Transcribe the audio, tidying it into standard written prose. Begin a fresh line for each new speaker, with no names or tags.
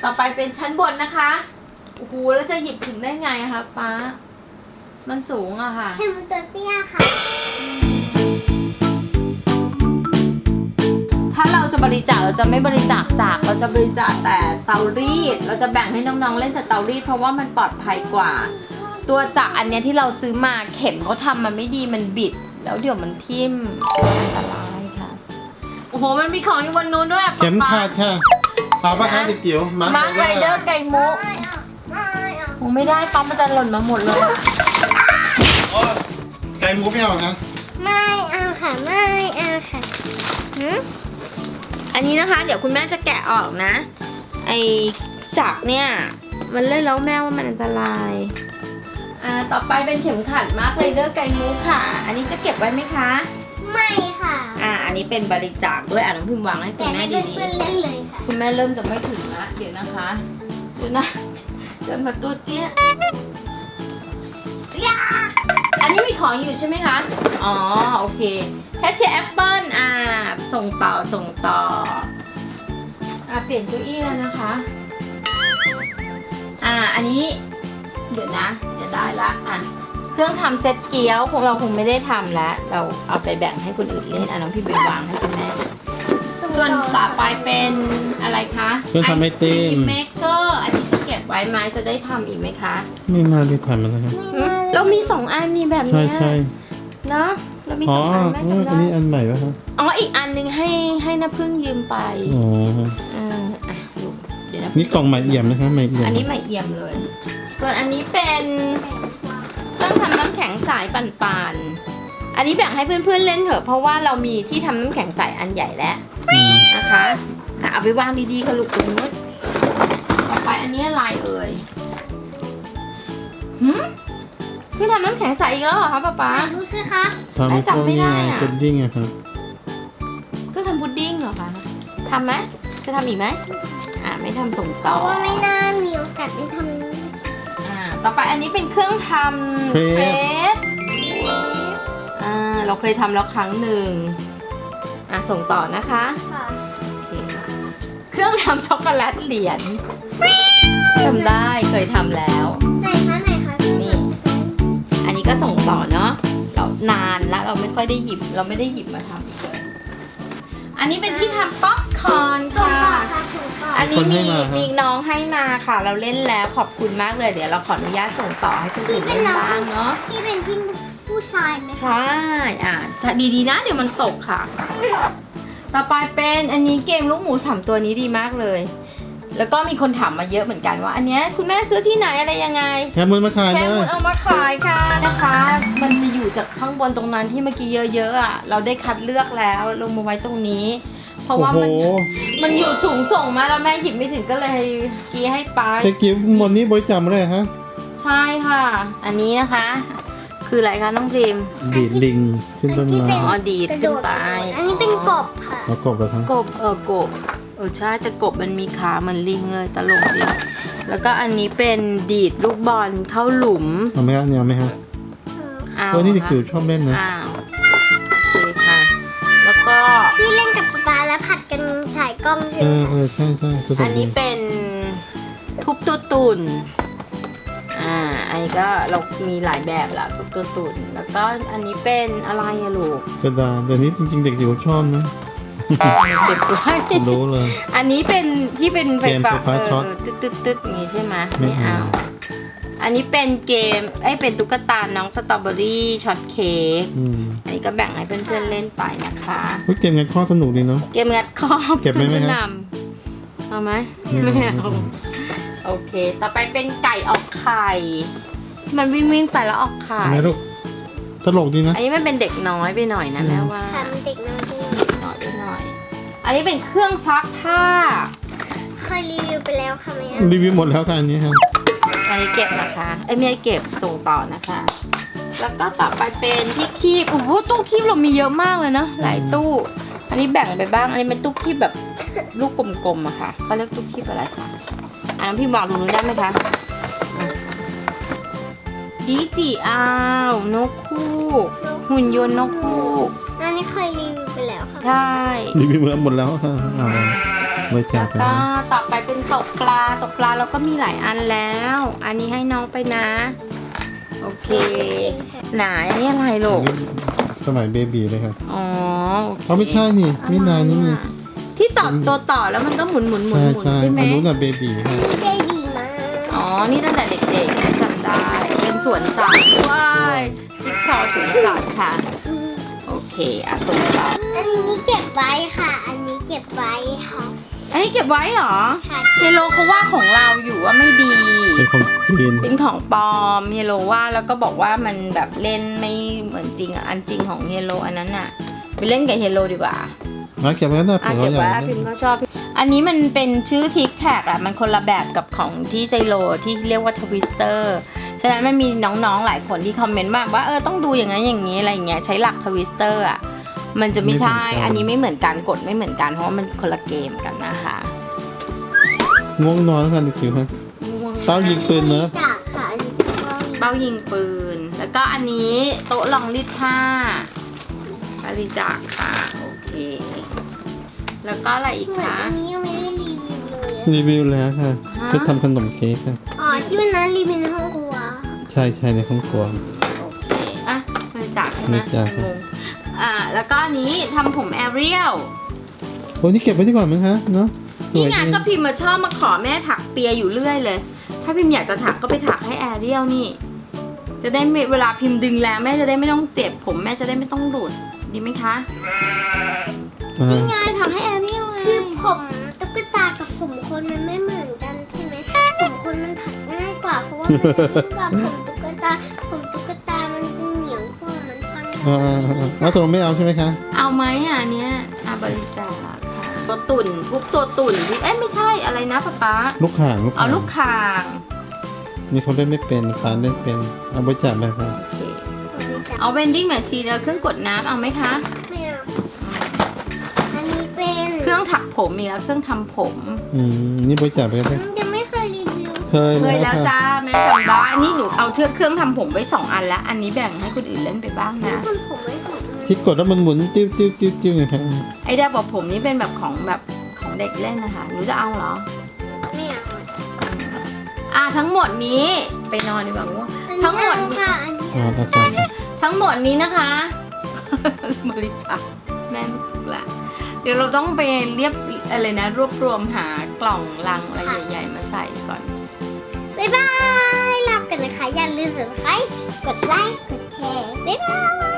ต่อไปเป็นชั้นบนนะคะโอ้โหแล้วจะหยิบถึงได้ไงคะป๊ามันสูงอะค่ะ
แค่มือตัวเตี้ยค่ะ
ถ้าเราจะบริจาคเราจะไม่บริจาคจากเราจะบริจาคแต่เตารีดเราจะแบ่งให้น้องๆเล่นแต่เตารีดเพราะว่ามันปลอดภัยกว่าตัวจักรอันเนี้ยที่เราซื้อมาเข็มเขาทำมันไม่ดีมันบิดแล้วเดี๋ยวมันทิ่มอันตรายค่ะโอ้โหมันมีของอยู่บนนู้นด้วย
เข็มขาดค่ะเอาปะคะเด็กจิ๋ว
มาร์คไรเดอร์ไก่มุกโอ้ไม่ได้ปั๊มมันจะหล่นมาหมดเลย
ไก่หมูไม่เอาคะ
ไม่เอาค่ะไม่เอาค่ะ
อันนี้นะคะเดี๋ยวคุณแม่จะแกะออกนะไอจักรเนี่ยมันเล่นแล้วแม่ว่ามันอันตรายต่อไปเป็นเข็มขัดมาร์คไรเดอร์ไก่มุกค่ะอันนี้จะเก็บไว้ไหมคะ
ไม่ค่ะ
อันนี้เป็นบริจาคด้วยน้องพิมพ์วางให้คุ
แต่
ณแม่
ให้
ดี
เพื่อนๆเล่นเลยค่ะ
ๆคุณแม่เริ่มจะไม่ถึงละเดี๋ยวนะคะเดี๋ยวนะเดินมาตัวเตี้ยอันนี้มีของอยู่ใช่ไหมคะอ๋อโอเคแคชเชียร์แอปเปิ้ลส่งต่อเปลี่ยนเก้าอี้แล้วนะคะอันนี้เดี๋ยวนะจะได้ละเครื่องทำเซ็ตเกี๊ยวของเราคงไม่ได้ทำแล้วเราเอาไปแบ่งให้คนอื่นเล่นน้องพี่ไปวางให้คุณแม่ส่วนต่อไปเป็นอะไรคะ
เครื่องทำไอติม
เมกเกอร์อันนี้จะเก็บไว้ไหมจะได้ทำอีกไหมคะ
ไม่น่าได้ทำแล้วนะครับ
เรามี2 อันนี่แบบ
ใช่
เนี้ย
ใช่
เนาะเรามี
อ๋อ
2 อันแม่จำ
อั
ได้
นนี้อันใหม่ป่ะครับ
อีกอันนึงให้น้าพึ่งยืมไป
อ๋อ
ดูเดี๋ยวนะ
นี่กล่องใหม่เอี่ยมนะครับใหม่เอี่ยม
อันนี้ใหม่เอี่ยมเลย ส่วนอันนี้เป็นเครื่องทำน้ำแข็งใสปั่นๆอันนี้แบ่งให้เพื่อนๆเล่นเถอะเพราะว่าเรามีที่ทำน้ำแข็งใสอันใหญ่แล้วนะคะเอาไปวางดีๆค่ะลูกตรงนู้นต่อไปอันนี้อะไรเอ่ยคือทำน้ำแข็งใสอีกแล้วเหรอคะป๊า
ดูสิคะ
ทำพวกนี้ไงพุดดิ้งอะครับ
ก็ทำพุดดิ้งเหรอคะทำไหมจะทำอีกไหมไม่ทำส่ง
เพ
ต่อ
ราะว่าไม่น่ามีโอกาสได้ทำ
ต่อไปอันนี้เป็นเครื่องทำเครปเราเคยทำแล้วครั้งหนึ่งส่งต่อนะคะ
ค่ะ
โอเคค่ะเครื่องทำช็อกโกแลตเหรียญทำได้เคยทำแล้ว
ไหนคะ
นี่ อันนี้ก็ส่งต่อเนาะเรานานแล้วเราไม่ค่อยได้หยิบเราไม่ได้หยิบมาทำอีกเลยอันนี้เป็นที่ทำป๊อปคอร์น
ส่ง
ค่ะ
ต่อค่ะส่งต่อ
อันนี้มีน้องให้มาค่ะ เราเล่นแล้วขอบคุณมากเลยเดี๋ยวเราขออนุญาตส่งต่อให้คนอื่
ที่
น
เป็
เล่
น
น
น้อง
บ้างเนาะ
ที่เป็นพี่ผู้ชายไหมคะ
ใช่ดีๆนะเดี๋ยวมันตกค่ะ ต่อไปเป็นอันนี้เกมลูกหมู3ตัวนี้ดีมากเลย แล้วก็มีคนถามมาเยอะเหมือนกันว่า อันเนี้ยคุณแม่ซื้อที่ไหนอะไรยังไง
แค่มือมาขาย
แค่
เล
คุ
ย
ณเอามาขายค่ะนะคะ มันจะอยู่จากข้างบนตรงนั้นที่เมื่อกี้เยอะๆเราได้คัดเลือกแล้วลงมาไว้ตรงนี้ เพราะ
โอ้
ว่า
โห
มันอยู่สูงส่งมาแล้วแม่หยิบไม่ถึงก็เลยกี้ให้ไป
เด็กจิ๋วบนนี้บริจาคมาเลยฮะ
ใช่ค่ะ อันนี้นะคะ คืออะไรคะน้องพริม
ดีดลิงขึ้นต้นไม้
ดีด
กระ
ขึ้
โด
น
ด
ไป
อันนี้เป็นกบค่ะ
แล้วกบเหรอครับ
กบกบใช่แต่กบมันมีขาเหมือนลิงเลยตลกดีแล้วก็อันนี้เป็นดีดลูกบอลเข้าหลุม
เอาไหมฮะเนี่ยเอาไหมฮะ
เอา
ตัวนี้เด็ก
ค่ะ
จิ๋วชอบเล่นนะ
อ้าวโอเคค่ะ แล้วก็
ที่เล่นกับป๊าแล้วผัดกันถ่ายกล้องใช่ไหมคะ
ใช่ใช่สนุก
อันนี้
ดี
เป็นทุบตัวตุ่นอันนี้ก็เรามีหลายแบบละทุบตัวตุ่นแล้วก็อันนี้เป็นอะไรอะลูก
กระดาษเดี๋ยวนี้จริงๆเด็กจิ๋วชอบนะ
เก็บไว้
รู้เลย
อันนี้เป็นที่เป็นไฟฟ้า
เกมไฟฟ้าช็อต
ตึ๊ดอย่างงี้ใช่ไหม
ไม่
ไม่เอา
เอา
อันนี้เป็นเกมเป็นตุ๊กตาน้องสตรอเบอรี่ช็อตเค้ก อันนี้ก็แบ่งให้เพื่อนๆเล่นไปนะคะ
เฮ้ยเกมงัดข้อสนุกดีเนาะ
เกมงัดครอบ
เก็บไว้ไหมฮะ
นำเอาไหมไม่เอาโอเค ต่อไปเป็นไก่ออกไข่ มันวิ่งไปแล้วออกไข่
ทำไมลูกตลกดีนะ
อันนี้มันเป็นเด็กน้อยไปหน่อยนะแม่ว่า
ค่ะมันเด็กน้อยที่
น้อยไปหน่อย อันนี้เป็นเครื่องซักผ้า
เคยรีวิวไปแล้วค่ะแม่
รีวิวหมดแล้วค่ะอันนี้ครับ
อันนี้เก็บนะคะไม่ได้เก็บส่งต่อนะคะ แล้วก็ต่อไปเป็นที่คีบโอ้โหตู้คีบเรามีเยอะมากเลยนะหลายตู้ อันนี้แบ่งไปบ้าง อันนี้เป็นตู้คีบแบบลูกกลมๆอะค่ะเขาเรียกตู้คีบอะไรคะอันนั้นพี่บอกดูนู้นได้ไหมคะดีจีอาวนกคู่หุ่นยนต์นกคู่
อันนี้เคยรีวิวไปแล้วค่ะ
ใช่
รีวิวหมดแล้วค่ะเอาบริจาคไป
ก็
นะ
ต่อไปเป็นตกปลาเราก็มีหลายอันแล้ว อันนี้ให้น้องไปนะ โอเคไหนอันนี้อะไรลู
อัน
ก
นี้สมัยเบบีเลยครับ
อ๋อโอเค
เขาไม่ใช่นี่ไม่นานนี่นี่
ที่ต่อตัวต่อแล้วมันก็หมุนใช่ไหม
อันนู้นน่ะเบบีค่ะ
มีเบบีมา
อ๋อ นี่ตั้งแต่เด็กๆนะจำได้ เป็นสวนสัตว์ว้ายจิ๊กซอว์สวนสัตว์ค่ะ โอเคอ่ะส่งต่อ
อันนี้เก็บไว้ค่ะ อันนี้เก็บไว้ค่ะ
อันนี้เก็บไว้เหรอ
ค่ะ
เฮโลเขาว่าของเราอยู่ว่าไม่ดี
เป็นของจีน
เป็นของปลอมเฮโลว่าแล้วก็บอกว่ามันแบบเล่นไม่เหมือนจริงอ่ะ อันจริงของเฮโลอันนั้นอ่ะ ไปเล่นกับเฮโลดีกว่า
มาเก็บไว้นะ
อ่ะ
เผื่อ
เก็บ
เราอ
ไว้
ยาก
พิมพ์ก็ชอบ อันนี้มันเป็นชื่อทิกแท็กอ่ะ มันคนละแบบกับของที่ไซโลที่เรียกว่าทวิสเตอร์ ฉะนั้นมันมีน้องๆหลายคนที่คอมเมนต์มาว่าต้องดูอย่างนั้นอย่างนี้อะไรอย่างเงี้ยใช้หลักทวิสเตอร์อ่ะ มันจะไม่ใช่ อันนี้ไม่เหมือนกันกดไม่เหมือนกันเพราะว่ามันคนละเกมกันนะคะ
ง่วงนอนแล้วกันจิ๋วครับเป้ายิงปืนเนอะ
จากค่ะอันนี้ก็
เป้ายิงปืน แล้วก็อันนี้โต๊ะรองรีดผ้าบริจาคค่ะ โอเค แล้วก็อะไรอีก
เหมือน
คะ
อันนี้ยังไม่ได้รีวิวเลยอะ
รีวิวแล้วค่ะ
ฮะ
ชุดทำขนมเค้กค่ะ
อ๋อที่วันนั้นรีวิวในห้องครัว
ใช่ใช่ในห้องครัว
โอเคอ่ะบริจาคใช่ไหม
บริจาค
งงแล้วก็อันนี้ทำผมแอเรียล
โอ้นี่เก็บไว้ดีกว่ามั้งคะเนาะส
นี่
วย
ไง
ดี
ก็พิมพ์มาชอบมาขอแม่ถักเปียอยู่เรื่อยเลย ถ้าพิมพ์อยากจะถักก็ไปถักให้แอเรียลนี่ จะได้ไม่เวลาพิมพ์ดึงแล้วแม่จะได้ไม่ต้องเจ็บผมแม่จะได้ไม่ต้องหลุดดีไหมคะ
อ่า
นี่ไงถักให้แอเรียลไง
คือผมตุ๊กตากับผมคนมันไม่เหมือนกันใช่ไหมผมคนมันถักง่ายกว่าเพราะว่ามันนิ่มกว่าผมตุ๊กตามันจะเหนียวกว่ามันพัน
แล้วตกลงไม่เอาใช่ไหมคะ
เอาไหมอ่ะอันเนี้ยบริจาคค่ะตัวตุ่นทุบตัวตุ่นที่ไม่ใช่อะไรนะป๊าป๊า
ลูกข่าง
เอาลูกคาง
นี่เขาเล่นไม่เป็นฟ้าเล่นเป็นเอาบริจาคไปครับ
โอเคเอาเวนดิ้งแมชชีนแล้วเครื่องกดน้ำเอาไหมคะ
ไม่เอาอันนี้เป็น
เครื่องถักผมมีแล้วเครื่องทำผม
นี่บริจาคไปก็ได้
ยังไม่เคยรีวิว
เคย
เคย
แล้
แล้ว ว
ค่ะ
จ้าแม่จำได้นี่หนูเอาเครื่องทำผมไว้2 อันแล้ว อันนี้แบ่งให้คนอื่นเล่นไปบ้างนะ
คนผมไว้สองอัน
ที่กดแล้วมันหมุนติ้วติ้วติ้วติ้วไงครับ
ไอ้ดาบอกผมนี่เป็นแบบของเด็กเล่นนะคะหนูจะเอาเหรอ
ไม่เอา
ทั้งหมดนี้ไปนอนดีกว่าง่วง ทั้งหมดนี้
ค่ะอันนี้
อ่าครับ
ทั้งหมดนี้นะคะ บริจาคแม่ไม่ถูกละเดี๋ยวเราต้องไปเรียบอะไรนะรวบรวมหากล่องลังอะไรใหญ่ ๆ มาใส่ก่อน
บ๊ายบายลากันนะคะ อย่าลืมsubscribe กดไลค์ กดแชร์ บ๊ายบาย